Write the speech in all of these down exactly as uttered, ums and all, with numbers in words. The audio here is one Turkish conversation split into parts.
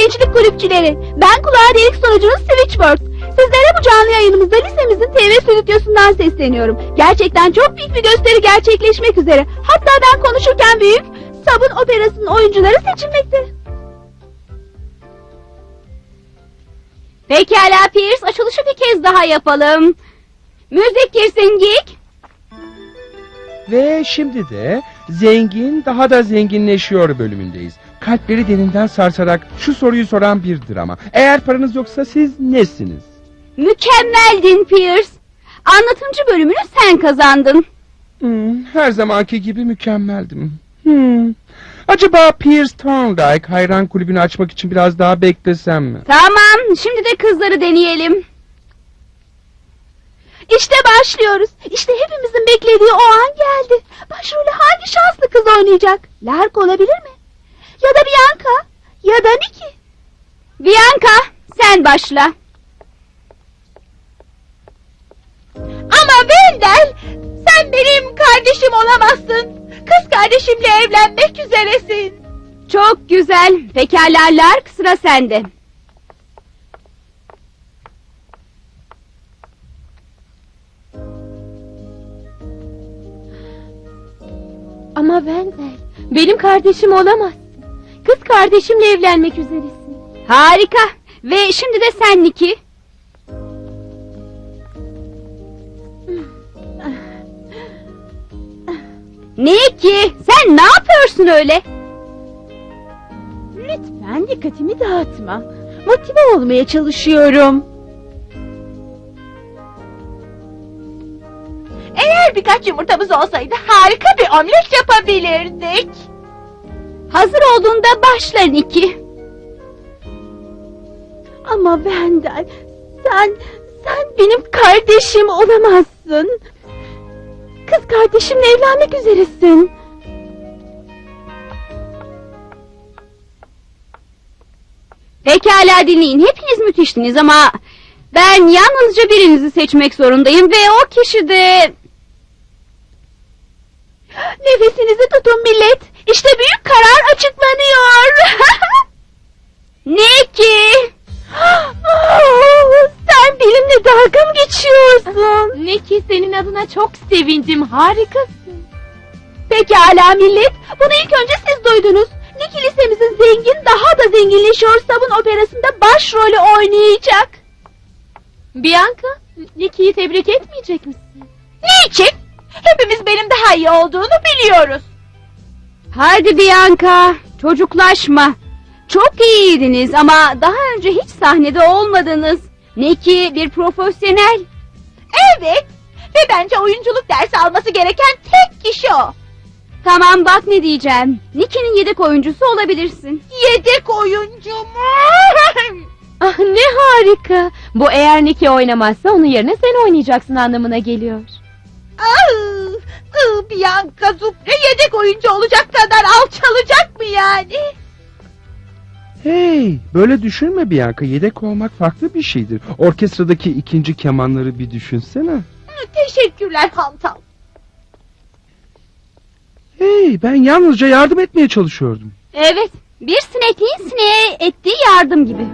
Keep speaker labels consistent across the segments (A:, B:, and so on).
A: gençlik kulüpçüleri. Ben kulağa delik sunucunuz Switchboard. Sizlere bu canlı yayınımızda lisemizin T V stüdyosundan sesleniyorum. Gerçekten çok büyük bir gösteri gerçekleşmek üzere. Hatta ben konuşurken büyük Sabun Operası'nın oyuncuları seçilmekte.
B: Pekala Pierce, açılışı bir kez daha yapalım. Müzik girsin Geek.
C: Ve şimdi de zengin daha da zenginleşiyor bölümündeyiz. Kalpleri derinden sarsarak şu soruyu soran bir drama. Eğer paranız yoksa siz nesiniz?
B: Mükemmeldin Pierce. Anlatımcı bölümünü sen kazandın.
C: Hmm, her zamanki gibi mükemmeldim. Hmm. Acaba Pierce Thorndike hayran kulübünü açmak için biraz daha beklesem mi?
B: Tamam, şimdi de kızları deneyelim.
A: İşte başlıyoruz. İşte hepimizin beklediği o an geldi. Başrolü hangi şanslı kız oynayacak? Lark olabilir mi? Ya da Bianca? Ya da Nikki?
B: Bianca, sen başla.
A: Ama Wendell, sen benim kardeşim olamazsın. Kız kardeşimle evlenmek üzeresin.
B: Çok güzel. Pekala Lark, sıra sende.
D: Ama Wendell, benim kardeşim olamazsın. Kız kardeşimle evlenmek üzeresin.
B: Harika. Ve şimdi de sen Nikki. Nikki, sen ne yapıyorsun öyle?
D: Lütfen dikkatimi dağıtma. Motive olmaya çalışıyorum.
A: Eğer birkaç yumurtamız olsaydı harika bir omlet yapabilirdik.
B: Hazır olduğunda başla Nikki.
D: Ama Wendell, sen, sen benim kardeşim olamazsın. Kız kardeşimle evlenmek üzeresin.
B: Pekala dinleyin. Hepiniz müthiştiniz ama ben yalnızca birinizi seçmek zorundayım ve o kişi de...
A: Nefesinizi tutun millet. İşte büyük karar açıklanıyor.
B: Nikki!
D: Sen benimle dalga mı geçiyorsun? Nikki, senin adına çok sevindim. Harikasın.
A: Pekala millet. Bunu ilk önce siz duydunuz. Nikki lisemizin zengin daha da zenginleşiyor Sabun Operası'nda başrolü oynayacak.
D: Bianca, Nikki'yi tebrik etmeyecek misin?
A: Niçin? Hepimiz benim daha iyi olduğunu biliyoruz.
B: Hadi Bianca, çocuklaşma. Çok iyiydiniz ama daha önce hiç sahnede olmadınız. Nikki bir profesyonel.
A: Evet. Ve bence oyunculuk dersi alması gereken tek kişi o.
B: Tamam bak ne diyeceğim. Nikki'nin yedek oyuncusu olabilirsin.
A: Yedek oyuncu mu?
D: Ah, ne harika. Bu eğer Nikki oynamazsa onun yerine sen oynayacaksın anlamına geliyor.
A: Ah, ah, Bianca Zupre yedek oyuncu olacak kadar alçalacak mı yani?
C: Hey, böyle düşünme Bianca. Yedek olmak farklı bir şeydir. Orkestradaki ikinci kemanları bir düşünsene.
A: Teşekkürler Hantal.
C: Hey, ben yalnızca yardım etmeye çalışıyordum.
B: Evet, bir sinekliğin sineğe ettiği yardım gibi.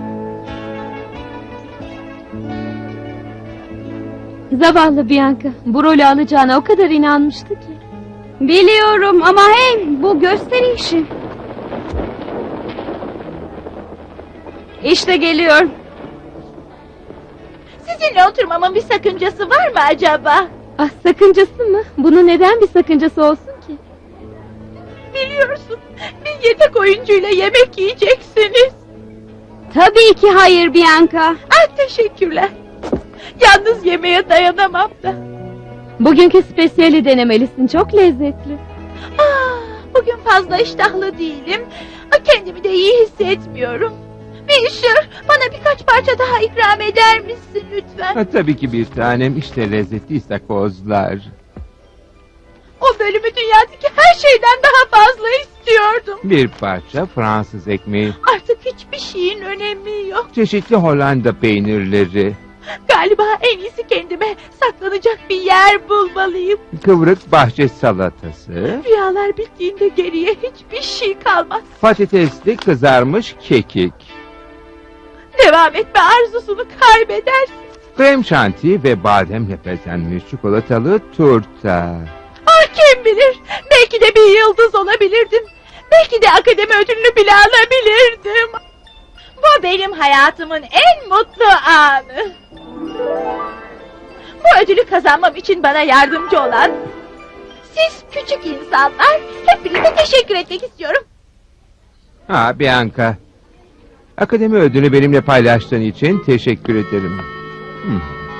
D: Zavallı Bianca, bu rolü alacağına o kadar inanmıştı ki.
B: Biliyorum ama hey, bu gösteri işi. İşte geliyor.
A: Sizinle oturmamın bir sakıncası var mı acaba?
D: Ah, sakıncası mı? Bunun neden bir sakıncası olsun ki?
A: Biliyorsun, bir yedek oyuncuyla yemek yiyeceksiniz.
B: Tabii ki hayır Bianca.
A: Ah, teşekkürler. Yalnız yemeğe dayanamam da.
D: Bugünkü spesiyeli denemelisin, çok lezzetli.
A: Ah, bugün fazla iştahlı değilim. Kendimi de iyi hissetmiyorum. Meşhur, bana birkaç parça daha ikram eder misin lütfen?
E: Ha, tabii ki bir tanem, işte lezzetli istakozlar.
A: O bölümü dünyadaki her şeyden daha fazla istiyordum.
E: Bir parça Fransız ekmeği,
A: Artık hiçbir şeyin önemi yok.
E: çeşitli Hollanda peynirleri,
A: Galiba en iyisi kendime saklanacak bir yer bulmalıyım.
E: kıvrık bahçe salatası,
A: Rüyalar bittiğinde geriye hiçbir şey kalmaz.
E: patatesli kızarmış kekik.
F: devam etme arzusunu kaybedersin.
E: Krem şanti ve bademle bezenmiş çikolatalı turta.
F: Ah kim bilir, belki de bir yıldız olabilirdim. Belki de akademi ödülünü bile alabilirdim. Bu benim hayatımın en mutlu anı. Bu ödülü kazanmam için bana yardımcı olan siz küçük insanlar, hepinize teşekkür etmek istiyorum.
E: Ha Bianca. Akademi ödülünü benimle paylaştığın için teşekkür ederim. Hmm.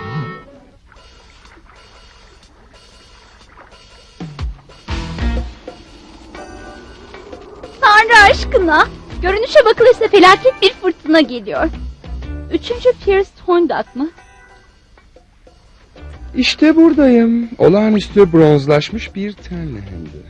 B: Tanrı aşkına. Görünüşe bakılırsa felaket bir fırtına geliyor. Üçüncü Pierce Toyndak mı?
C: İşte buradayım. Olağanüstü bronzlaşmış bir tenle hem de.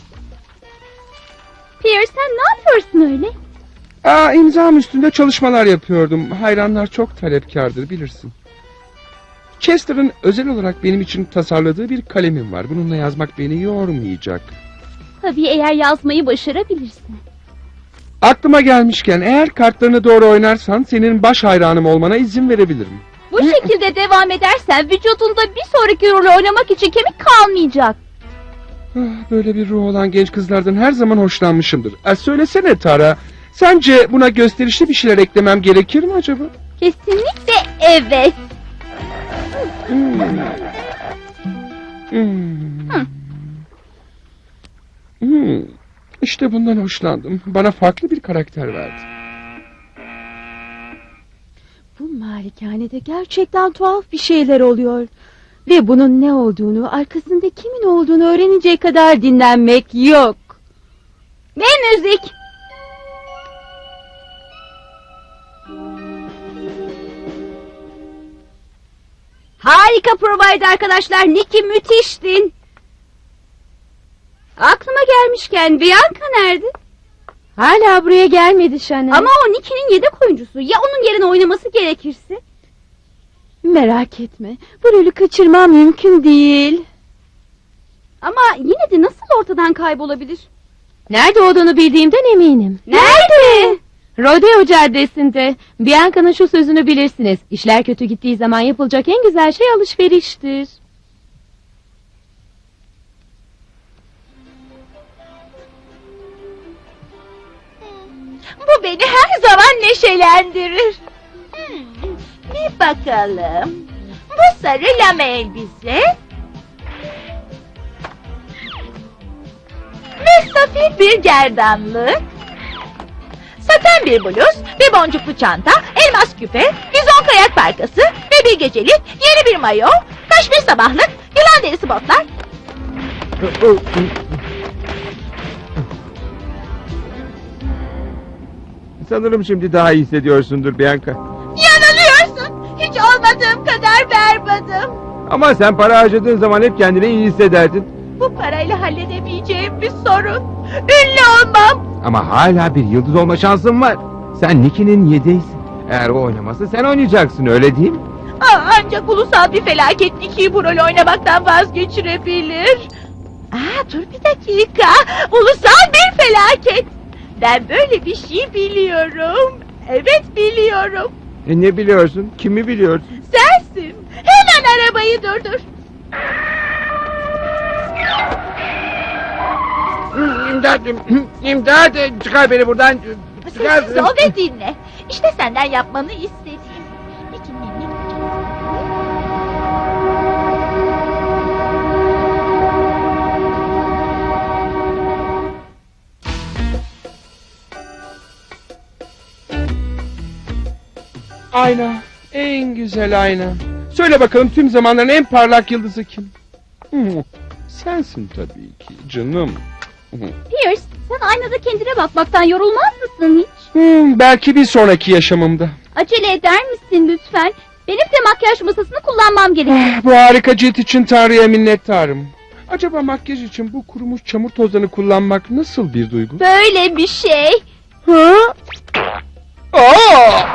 B: Pierce sen ne yapıyorsun öyle?
C: Aa, imzam üstünde çalışmalar yapıyordum. Hayranlar çok talepkardır bilirsin. Chester'ın özel olarak benim için tasarladığı bir kalemim var. Bununla yazmak beni yormayacak.
B: Tabii eğer yazmayı başarabilirsin.
C: Aklıma gelmişken eğer kartlarını doğru oynarsan senin baş hayranım olmana izin verebilirim.
B: Bu şekilde devam edersen vücudunda bir sonraki rolü oynamak için kemik kalmayacak.
C: Ah, böyle bir ruh olan genç kızlardan her zaman hoşlanmışımdır. E, söylesene Tara, sence buna gösterişli bir şeyler eklemem gerekir mi acaba?
B: Kesinlikle evet.
C: Hmm. Hmm.
B: Hı.
C: Hmm. İşte bundan hoşlandım. Bana farklı bir karakter verdi.
D: Bu malikanede gerçekten tuhaf bir şeyler oluyor. Ve bunun ne olduğunu, arkasında kimin olduğunu öğreninceye kadar dinlenmek yok.
B: Ve müzik. Harika provaydı arkadaşlar. Nicky müthiştin. Aklıma gelmişken Bianca nerede?
D: Hala buraya gelmedi Chanel.
B: Ama o Nicky'nin yedek oyuncusu. Ya onun yerine oynaması gerekirse?
D: merak etme, bu rolü kaçırmam mümkün değil.
B: Ama yine de nasıl ortadan kaybolabilir?
D: Nerede olduğunu bildiğimden eminim.
B: Nerede?
D: Rodeo Caddesi'nde. Bianca'nın şu sözünü bilirsiniz. İşler kötü gittiği zaman yapılacak en güzel şey alışveriştir.
F: Bu beni her zaman neşelendirir. Hmm, bir bakalım. Bu sarı lame elbise ve safir bir gerdanlık, saten bir bluz, bir boncuklu çanta, elmas küpe, vizon kayak parkası ve bir gecelik, yeni bir mayo, kaşmir sabahlık, yılan derisi botlar.
E: Sanırım şimdi daha iyi hissediyorsundur Bianca.
F: Yanılıyorsun. Hiç olmadığım kadar berbatım.
E: Ama sen para harcadığın zaman hep kendini iyi hissederdin.
F: Bu parayla halledemeyeceğim bir sorun. Ünlü olmam.
E: Ama hala bir yıldız olma şansın var. Sen Nicky'nin yedeğisin. Eğer o oynamazsa sen oynayacaksın, öyle değil mi?
F: Aa, ancak ulusal bir felaket Nicky'yi bu rolü oynamaktan vazgeçirebilir. Aa, dur bir dakika. Ulusal bir felaket. Ben böyle bir şey biliyorum. Evet biliyorum.
E: E ne biliyorsun? Kimi biliyorsun?
F: Sensin. Hemen arabayı durdur.
E: İmdat! İmdat! Çıkar beni buradan! Çıkar!
F: Sessiz ol ve dinle. İşte senden yapmanı istediğim. Nicky'nin ne
C: Ayna, en güzel ayna. Söyle bakalım tüm zamanların en parlak yıldızı kim? Hmm, sensin tabii ki canım.
B: Pierce, sen aynada kendine bakmaktan yorulmaz mısın hiç?
C: Hmm, belki bir sonraki yaşamımda.
B: Acele eder misin lütfen? Benim de makyaj masasını kullanmam gerekiyor.
C: Ah, bu harika cilt için Tanrı'ya minnettarım. Acaba makyaj için bu kurumuş çamur tozlarını kullanmak nasıl bir duygu?
B: Böyle bir şey.
C: Ha? Aa!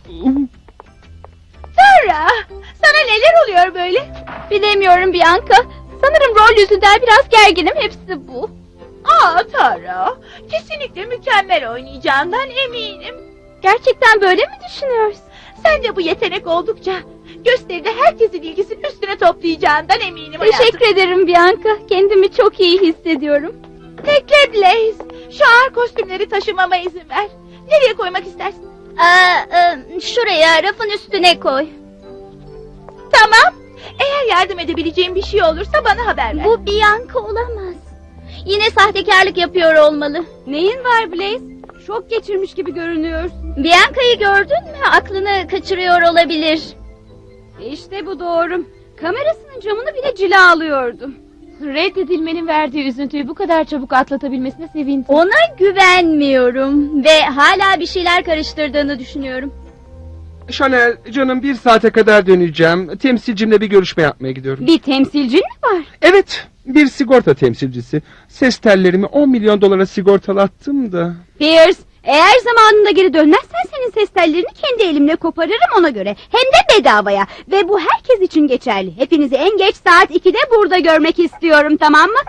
F: Tara, sana neler oluyor böyle?
B: Bilemiyorum Bianca. Sanırım rol yüzünden biraz gerginim, hepsi bu.
F: Aa Tara, kesinlikle mükemmel oynayacağından eminim.
B: Gerçekten böyle mi düşünüyorsun?
F: Sence bu yetenek oldukça gösteride herkesin ilgisini üstüne toplayacağından eminim hayatım.
B: Teşekkür ederim Bianca. Kendimi çok iyi hissediyorum.
F: Bekle Blaze. Şu ağır kostümleri taşımama izin ver. Nereye koymak istersin?
B: Aa, e, şuraya rafın üstüne koy.
F: Tamam. Eğer yardım edebileceğim bir şey olursa bana haber ver.
B: Bu Bianca olamaz. Yine sahtekarlık yapıyor olmalı. Neyin var Blaze? Şok geçirmiş gibi görünüyorsun. Bianca'yı gördün mü? Aklını kaçırıyor olabilir. İşte bu doğru. Kamerasının camını bile cila alıyordu.
D: Reddedilmenin verdiği üzüntüyü bu kadar çabuk atlatabilmesine sevindim.
B: Ona güvenmiyorum ve hala bir şeyler karıştırdığını düşünüyorum.
C: Chanel, canım bir saate kadar döneceğim. Temsilcimle bir görüşme yapmaya gidiyorum.
B: Bir temsilcin mi var?
C: Evet, bir sigorta temsilcisi. Ses tellerimi on milyon dolara sigortalattım da.
B: Pierce, eğer zamanında geri dönmezsen senin ses tellerini kendi elimle koparırım ona göre. Hem de bedavaya. Ve bu herkes için geçerli. Hepinizi en geç saat ikide burada görmek istiyorum, tamam mı?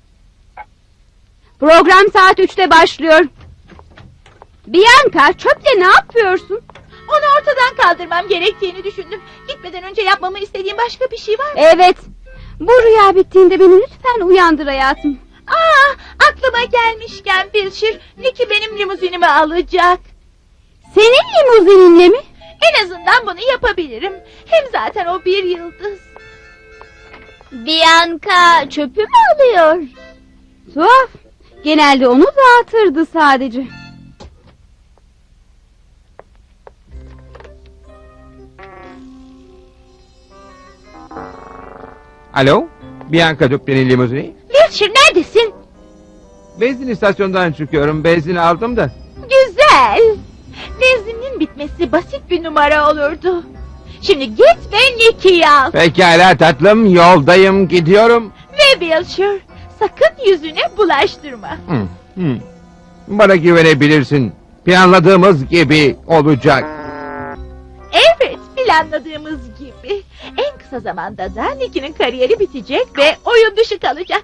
B: Program saat üçte başlıyor. Bianca, çöpte ne yapıyorsun?
F: Onu ortadan kaldırmam gerektiğini düşündüm. Gitmeden önce yapmamı istediğin başka bir şey var mı?
B: Evet. Bu rüya bittiğinde beni lütfen uyandır hayatım.
F: Aa, aklıma gelmişken Wilshire, Nicky benim limuzinimi alacak.
B: Senin limuzininle mi?
F: En azından bunu yapabilirim. Hem zaten o bir yıldız.
B: Bianca çöpü mü alıyor? Tuhaf. Genelde onu dağıtırdı sadece.
E: Alo? Bianca Duplin'in limuzini.
F: Wilshire neredesin?
E: Benzin istasyonundan çıkıyorum. Benzin aldım da.
F: Güzel. Benzinin bitmesi basit bir numara olurdu. Şimdi git ve Nicky'yi al.
E: Pekala tatlım, yoldayım, gidiyorum.
F: Ve Wilshire, sakın yüzüne bulaştırma.
E: Hı, hı. Bana güvenebilirsin. Planladığımız gibi olacak.
F: Evet, planladığımız gibi. En kısa zamanda da Nicky'nin kariyeri bitecek ve oyun dışı kalacak.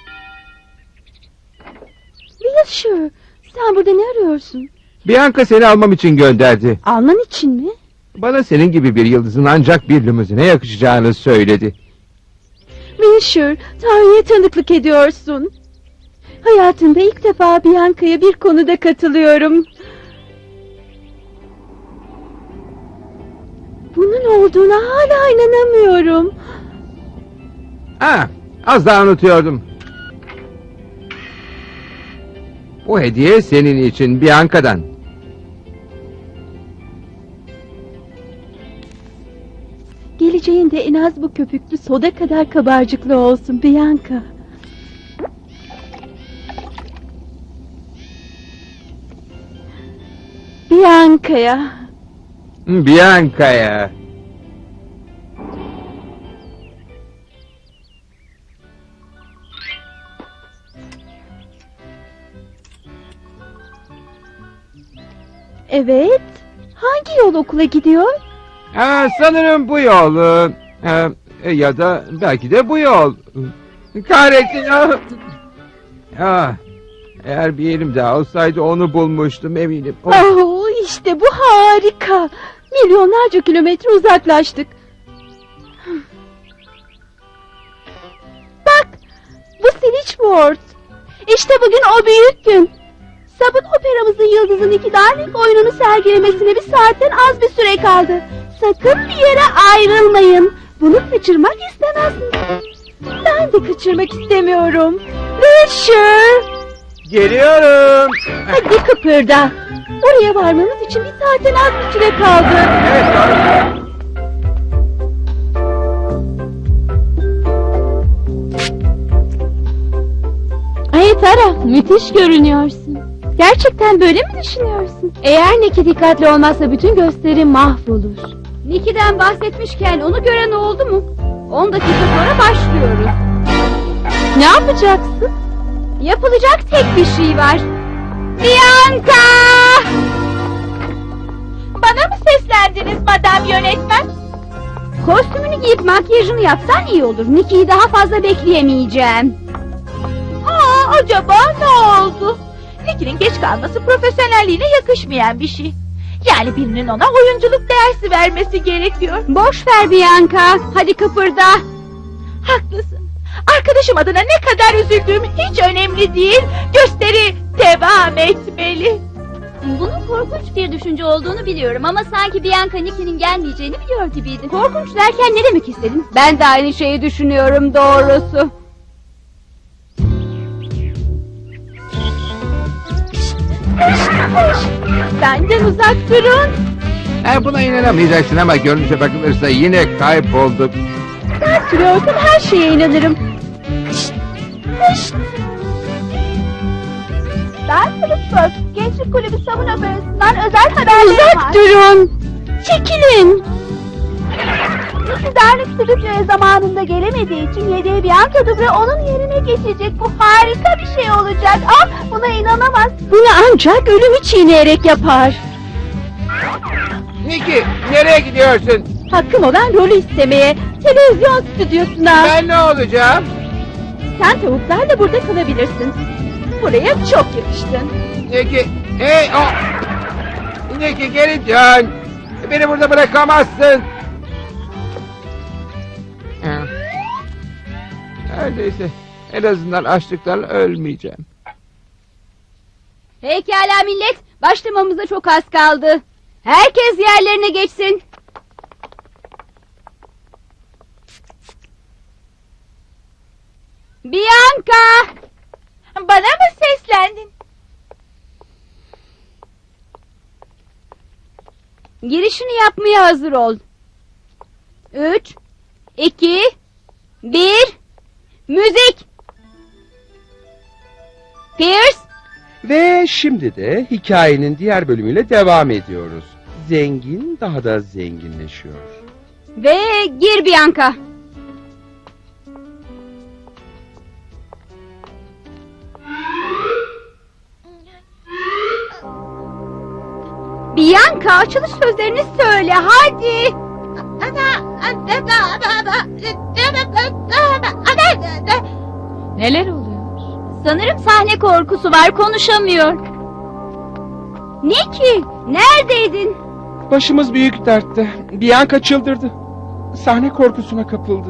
D: Wilshire, sen burada ne arıyorsun?
E: Bianca seni almam için gönderdi.
D: Alman için mi?
E: Bana senin gibi bir yıldızın ancak bir limuzine yakışacağını söyledi.
D: Wilshire, Tanrı'ya tanıklık ediyorsun. Hayatımda ilk defa Bianca'ya bir konuda katılıyorum. Bunun olduğuna hala inanamıyorum.
E: Ha, az daha unutuyordum. Bu hediye senin için Bianca'dan.
D: Geleceğin de en az bu köpüklü soda kadar kabarcıklı olsun Bianca. Bianca'ya.
E: Bianca'ya.
D: Evet. Hangi yol okula gidiyor?
E: Ha, sanırım bu yol. Ee, e, ya da belki de bu yol. Kahretsin. Ah. Ah, eğer bir elim daha olsaydı onu bulmuştum eminim. Oh.
D: Oh, işte bu harika. Milyonlarca kilometre uzaklaştık. Bak, bu Switchboard. İşte bugün o büyük gün.
A: Sabun operamızın yıldızın iki Darling oyununu sergilemesine bir saatten az bir süre kaldı. Sakın bir yere ayrılmayın. Bunu kaçırmak istemezsiniz.
D: Ben de kaçırmak istemiyorum. Wilshire,
E: Geliyorum.
D: hadi kıpırda. Oraya varmamız için bir saatten az bir süre kaldı.
E: Evet, doğru.
D: Ay Tara, müthiş görünüyorsun. Gerçekten böyle mi düşünüyorsun? Eğer Nicky dikkatli olmazsa bütün gösteri mahvolur.
B: Nicky'den bahsetmişken onu gören oldu mu? on dakika sonra başlıyoruz.
D: Ne yapacaksın?
B: Yapılacak tek bir şey var. Bianca!
F: Bana mı seslendiniz madam yönetmen?
B: Kostümünü giyip makyajını yapsan iyi olur. Nicky'yi daha fazla bekleyemeyeceğim.
F: Aa, acaba ne oldu? Nicky'nin geç kalması profesyonelliğine yakışmayan bir şey. Yani birinin ona oyunculuk dersi vermesi gerekiyor.
A: Boş ver Bianca. Hadi kıpırda.
F: Haklısın. Arkadaşım adına ne kadar üzüldüğüm hiç önemli değil. Gösteri devam etmeli.
B: Bunun korkunç bir düşünce olduğunu biliyorum ama sanki Bianca Nicky'nin gelmeyeceğini biliyor gibiydi.
A: Korkunç derken ne demek istedin? Ben de aynı şeyi düşünüyorum doğrusu.
F: Benden uzak durun.
E: Ha, buna inanamayacaksın ama görünüşe bakılırsa yine kaybolduk.
F: Sen sürüyorsan her şeye inanırım. Ben Switchboard, Gençlik Kulübü Savun Operası'ndan özel haberlerim
A: Uzak
F: var.
A: durun. Çekilin.
F: Darlık Stüdyo'ya zamanında gelemediği için yedeği Bianca Dubre onun yerine geçecek. Bu harika bir şey olacak. Ah, buna inanamaz.
D: Bunu ancak ölümü çiğneyerek yapar.
E: Niki, nereye gidiyorsun?
D: Hakkım olan rolü istemeye televizyon stüdyosuna.
E: Ben ne olacağım?
D: Sen tavuklarla burada kalabilirsin. Buraya çok yakıştın.
E: Niki, hey o! Niki geri dön. Beni burada bırakamazsın. Ha. Neredeyse en azından açlıktan ölmeyeceğim.
A: Pekala millet. Başlamamıza çok az kaldı. Herkes yerlerine geçsin. Bianca!
F: Bana mı seslendin?
A: Girişini yapmaya hazır ol. Üç, iki, bir, müzik! Pierce!
C: Ve şimdi de hikayenin diğer bölümüyle devam ediyoruz. Zengin daha da zenginleşiyor.
A: Ve gir Bianca. Bianca açılış sözlerini söyle hadi.
D: Neler oluyor?
B: Sanırım sahne korkusu var, konuşamıyor.
A: Nicky neredeydin?
C: Başımız büyük dertte. Bianca çıldırdı. Sahne korkusuna kapıldı.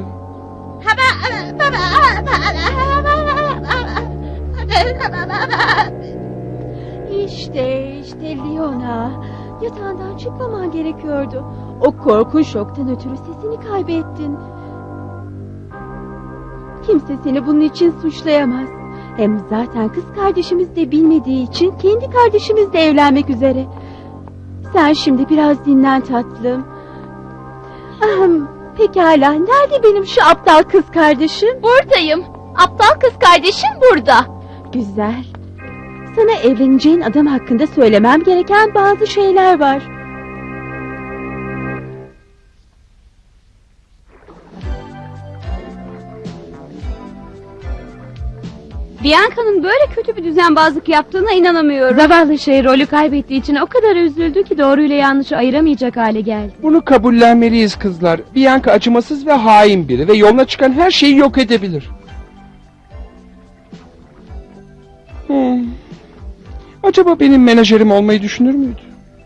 D: İşte işte Leona. Yatağından çıkmaman gerekiyordu. O korkunç şoktan ötürü sesini kaybettin. Kimse seni bunun için suçlayamaz. Hem zaten kız kardeşimiz de bilmediği için kendi kardeşimizle evlenmek üzere. Sen şimdi biraz dinlen tatlım. Ahem, pekala, nerede benim şu aptal kız kardeşim?
B: Buradayım. Aptal kız kardeşim burada.
D: Güzel. Sana evleneceğin adam hakkında söylemem gereken bazı şeyler var.
A: Bianca'nın böyle kötü bir düzenbazlık yaptığına inanamıyorum.
D: Zavallı şey rolü kaybettiği için o kadar üzüldü ki doğruyla yanlışı ayıramayacak hale geldi.
C: Bunu kabullenmeliyiz kızlar. Bianca acımasız ve hain biri ve yoluna çıkan her şeyi yok edebilir. Hmm. Acaba benim menajerim olmayı düşünür müydü?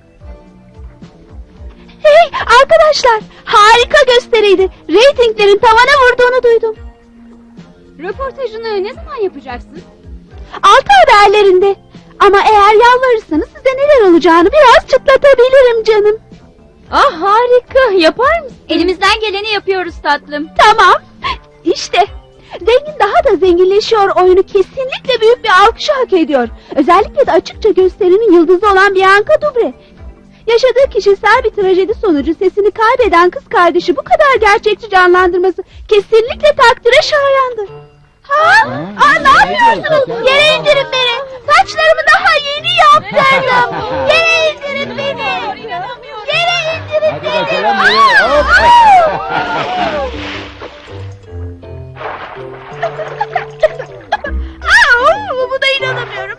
A: Hey arkadaşlar, harika gösteriydi. Ratinglerin tavana vurduğunu duydum. Röportajını ne zaman yapacaksın? Altı haberlerinde. Ama eğer yalvarırsanız size neler olacağını biraz çıtlatabilirim canım.
D: Ah harika, yapar mısın?
B: Elimizden geleni yapıyoruz tatlım.
A: Tamam. İşte. Zengin daha da zenginleşiyor oyunu kesinlikle büyük bir alkışı hak ediyor. Özellikle de açıkça gösterinin yıldızı olan Bianca Dubre. Yaşadığı kişisel bir trajedi sonucu sesini kaybeden kız kardeşi bu kadar gerçekçi canlandırması kesinlikle takdire şayandır. Ha? Aa, ne yapıyorsunuz? Yere indirin beni. Saçlarımı daha yeni yaptırdım. Yere indirin beni. Yere indirin beni. Aa, aa. Aa, buna inanamıyorum.